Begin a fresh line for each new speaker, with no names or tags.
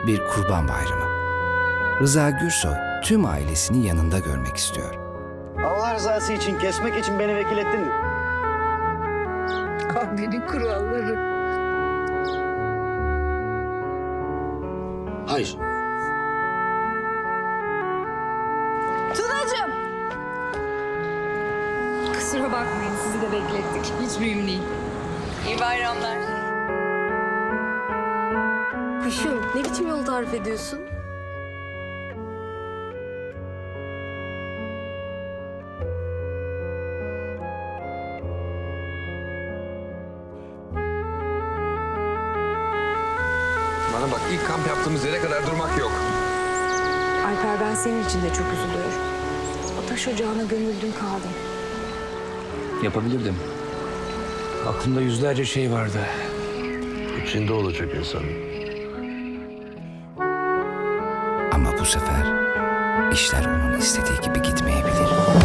bir Kurban Bayramı. Rıza Gürsoy tüm ailesini yanında görmek istiyor.
Allah rızası için kesmek için beni vekil ettin mi?
Kahvenin kuralları.
Hayır.
Tunacığım! Kusura bakmayın, sizi de beklettik. Hiç mühim değil. İyi bayramlar.
Kuşum, ne biçim yol tarif ediyorsun?
Bana bak, ilk kamp yaptığımız yere kadar durmak yok.
Alper, ben senin için de çok üzülüyorum. O taş ocağına gömüldüm kaldım.
Yapabilirdim. Aklımda yüzlerce şey vardı.
İçinde olacak insan.
Ama bu sefer işler onun istediği gibi gitmeyebilir.